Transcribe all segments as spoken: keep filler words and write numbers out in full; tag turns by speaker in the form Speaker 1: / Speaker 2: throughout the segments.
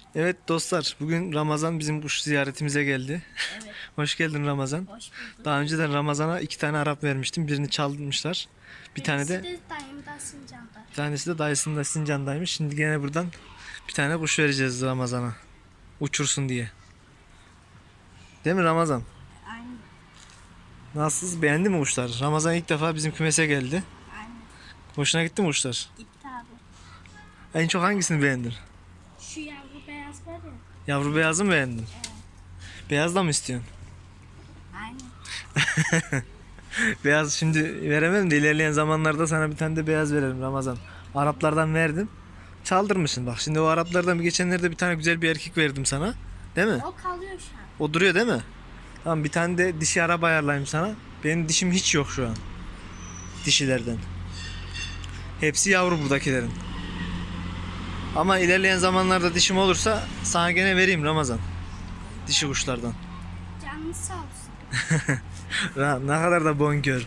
Speaker 1: Evet dostlar, bugün Ramazan bizim kuş ziyaretimize geldi.
Speaker 2: Evet,
Speaker 1: Hoş geldin Ramazan.
Speaker 2: hoş bulduk.
Speaker 1: Daha önceden Ramazan'a iki tane Arap vermiştim. Birini çalmışlar. Bir tane
Speaker 2: Birisi
Speaker 1: de
Speaker 2: de dayımda Sincan'da.
Speaker 1: bir tanesi de dayısında Sincan'daymış. Şimdi gene buradan bir tane kuş vereceğiz Ramazan'a. Uçursun diye. Değil mi Ramazan?
Speaker 2: Aynen,
Speaker 1: Nasılsınız? Beğendi mi kuşlar? Ramazan ilk defa bizim kümese geldi.
Speaker 2: aynen.
Speaker 1: Hoşuna gitti mi kuşlar?
Speaker 2: Gitti abi.
Speaker 1: En çok hangisini beğendin?
Speaker 2: Şu yavru beyaz var ya.
Speaker 1: Yavru beyazı mı beğendin? Beyaz da mı istiyorsun?
Speaker 2: Aynen.
Speaker 1: Beyaz şimdi veremem de ilerleyen zamanlarda sana bir tane de beyaz verelim Ramazan. Araplardan verdim. Çaldırmışsın bak. Şimdi o Araplardan bir geçenlerde bir tane güzel bir erkek verdim sana. Değil mi?
Speaker 2: O kalıyor şu an.
Speaker 1: O duruyor değil mi? Tamam, bir tane de dişi Arap ayarlayayım sana. Benim dişim hiç yok şu an. Dişilerden. Hepsi yavru buradakilerin. Ama ilerleyen zamanlarda dişim olursa sana gene vereyim Ramazan. Dişi kuşlardan.
Speaker 2: Canınız sağ olsun.
Speaker 1: Ra- Ne kadar da bonkör.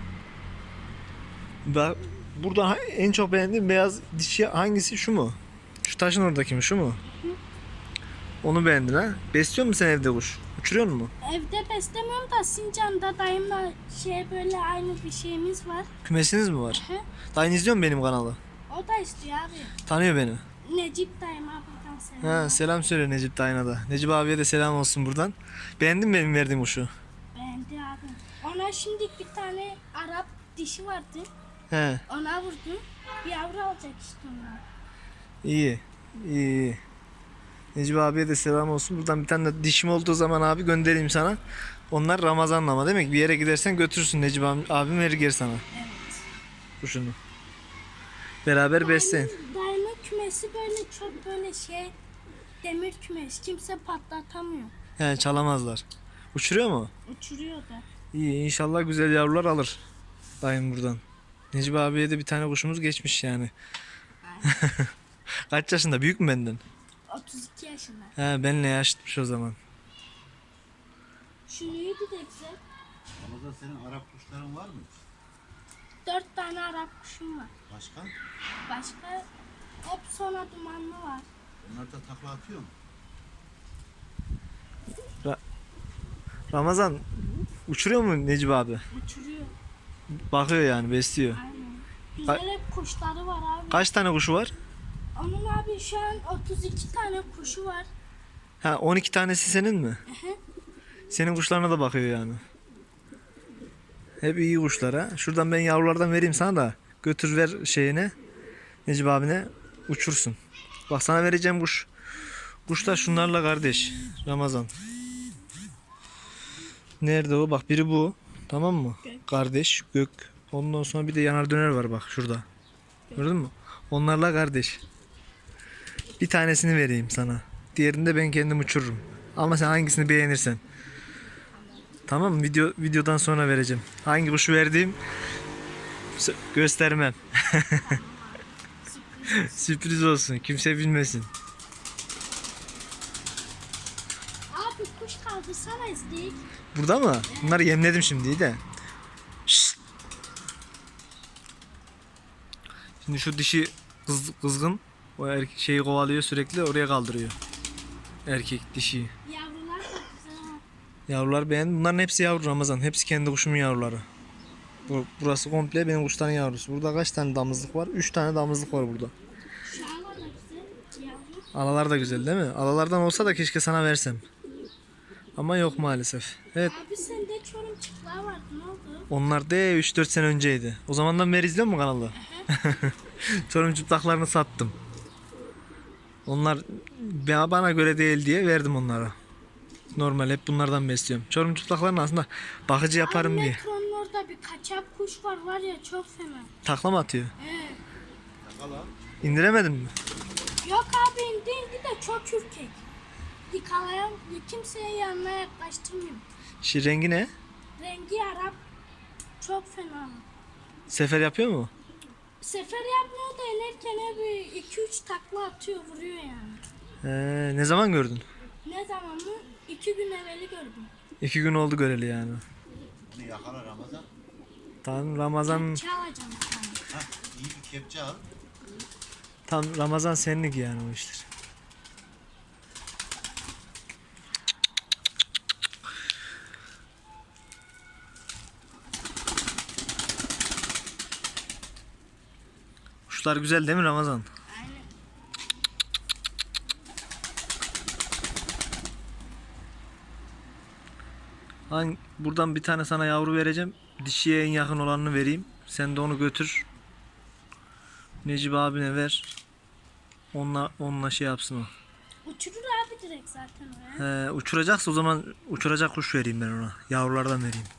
Speaker 1: Bak, burada ha- en çok beğendiğim beyaz dişi hangisi, şu mu? Şu taşın oradaki mi, şu mu? Onu beğendin ha? Besliyor musun sen evde kuş? Uçuruyor mu?
Speaker 2: Evde beslemiyorum da Sincan'da dayımla şey böyle aynı bir şeyimiz var.
Speaker 1: Kümesiniz mi var?
Speaker 2: Hı.
Speaker 1: Dayın izliyor mu benim kanalı?
Speaker 2: O da istiyor abi.
Speaker 1: Tanıyor beni.
Speaker 2: Necip dayıma buradan selam.
Speaker 1: Ha, selam söyle Necip dayına da. Necip abiye de selam olsun buradan. Beğendin mi benim verdiğim kuşu?
Speaker 2: Beğendi abi. Ona şimdi bir tane Arap dişi vardı.
Speaker 1: He,
Speaker 2: Ona vurdum. Bir yavru alacak işte ondan.
Speaker 1: iyi. İyi, iyi. Necip abiye de selam olsun. Buradan bir tane de dişim olduğu zaman abi göndereyim sana. Onlar Ramazan'la ama demek bir yere gidersen götürürsün, Necip abi, abim verir geri sana
Speaker 2: Evet.
Speaker 1: kuşunu. Beraber besleyin.
Speaker 2: Dayımın, dayımın kümesi böyle çok böyle şey demir kümesi. Kimse patlatamıyor.
Speaker 1: He, çalamazlar. Uçuruyor mu?
Speaker 2: Uçuruyor da.
Speaker 1: İyi, inşallah güzel yavrular alır dayım buradan. Necip abiye de bir tane kuşumuz geçmiş yani. Kaç yaşında? Büyük mü benden?
Speaker 2: otuz iki yaşında.
Speaker 1: He, benle yaşıtmış o zaman.
Speaker 2: Şu neydi de güzel.
Speaker 3: Ramazan, senin Arap kuşların var mı?
Speaker 2: Dört tane Arap kuşum var.
Speaker 3: Başka?
Speaker 2: Başka hep sona dumanlı var.
Speaker 3: Onlar da takla atıyor mu?
Speaker 1: Ramazan uçuruyor mu Necip abi?
Speaker 2: Uçuruyor.
Speaker 1: Bakıyor yani, besliyor.
Speaker 2: Aynen. Güzel hep kuşları var abi.
Speaker 1: Kaç tane kuşu var?
Speaker 2: Onun abi şu an otuz iki tane kuşu var.
Speaker 1: Ha, on iki tanesi senin mi? Senin kuşlarına da bakıyor yani. Hep iyi kuşlar ha. Şuradan ben yavrulardan vereyim sana da. Götür ver şeyine. Necip abine uçursun. Bak, sana vereceğim kuş. Kuşlar şunlarla kardeş. Ramazan. Nerede o? Bak, biri bu. Tamam mı?
Speaker 2: Gök.
Speaker 1: Kardeş, gök. Ondan sonra bir de yanar döner var bak şurada. Gördün mü? Onlarla kardeş. Bir tanesini vereyim sana. Diğerini de ben kendim uçururum. Ama sen hangisini beğenirsen. Tamam mı? Video, videodan sonra vereceğim. Hangi kuşu verdiğim sö- göstermem. Sürpriz olsun. Kimse bilmesin.
Speaker 2: Abi kuş kaldırsana izleyik.
Speaker 1: Burada mı? Bunları yemledim şimdi de. Şşt. Şimdi şu dişi kız, kızgın o erkek şeyi kovalıyor, sürekli oraya kaldırıyor. Erkek dişi.
Speaker 2: Yavrular da güzel. ha.
Speaker 1: Yavrular beğendim. Bunların hepsi yavru Ramazan. Hepsi kendi kuşumun yavruları. Bu- Burası komple benim kuşların yavrusu. Burada kaç tane damızlık var? üç tane damızlık var burada.
Speaker 2: Şu an da güzel yavru.
Speaker 1: Alalar da güzel değil mi? Alalardan olsa da keşke sana versem. Ama yok maalesef. Evet,
Speaker 2: Abi sende çorum çıklığı vardı, ne oldu?
Speaker 1: onlar da üç dört sene önceydi. O zamandan beri izliyor musun kanalı? Çorum çıplaklarını sattım. Onlar ba- bana göre değil diye verdim onlara. Normal hep bunlardan besliyorum. Çorum çıplaklarını aslında bakıcı yaparım
Speaker 2: Abi
Speaker 1: diye.
Speaker 2: metronun orada bir kaçak kuş var var ya, çok fena.
Speaker 1: Takla mı atıyor?
Speaker 2: He.
Speaker 3: Takala.
Speaker 1: İndiremedin mi?
Speaker 2: Yok abi, indi de çok ürkek. Yıkalayan kimseye yanına yaklaştırmıyor.
Speaker 1: Şi rengi ne?
Speaker 2: Rengi Arap, çok fena.
Speaker 1: Sefer yapıyor mu?
Speaker 2: Sefer yapmıyor da inerken bir iki üç takla atıyor, vuruyor yani.
Speaker 1: Ee, ne zaman gördün?
Speaker 2: Ne zaman mı? İki gün evveli gördüm.
Speaker 1: İki gün oldu göreli yani.
Speaker 3: Bunu yakala Ramazan.
Speaker 1: Tam Ramazan,
Speaker 2: Kepçe alacağım bir tane.
Speaker 3: Hah, iyi bir kepçe al.
Speaker 1: tam Ramazan senlik yani o işler. Kuşlar güzel değil mi Ramazan?
Speaker 2: Aynen.
Speaker 1: Hangi, buradan bir tane sana yavru vereceğim. Dişiye en yakın olanını vereyim. Sen de onu götür. Necip abine ver. Onunla, onunla şey yapsın o.
Speaker 2: Uçurur abi direkt zaten oraya.
Speaker 1: He, uçuracaksa o zaman uçuracak kuş vereyim ben ona. Yavrulardan vereyim.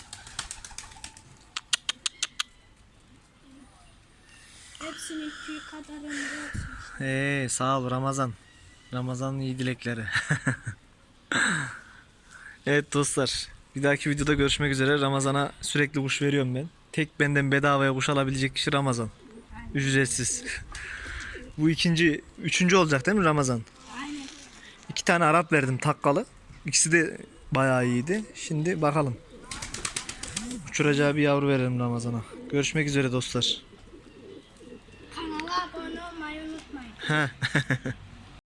Speaker 2: Hepsinin tüy kadar ömrü olsun.
Speaker 1: Hey, sağ ol Ramazan. Ramazan'ın iyi dilekleri. Evet dostlar. Bir dahaki videoda görüşmek üzere. Ramazan'a sürekli kuş veriyorum ben. Tek benden bedavaya kuş alabilecek kişi Ramazan. Ücretsiz. Bu ikinci, üçüncü olacak değil mi Ramazan?
Speaker 2: Aynen.
Speaker 1: İki tane Arap verdim takkalı. İkisi de bayağı iyiydi. Şimdi bakalım. Uçuracağı bir yavru verelim Ramazan'a. Görüşmek üzere dostlar.
Speaker 2: Kanala abone olmayı unutmayın.
Speaker 1: Heh.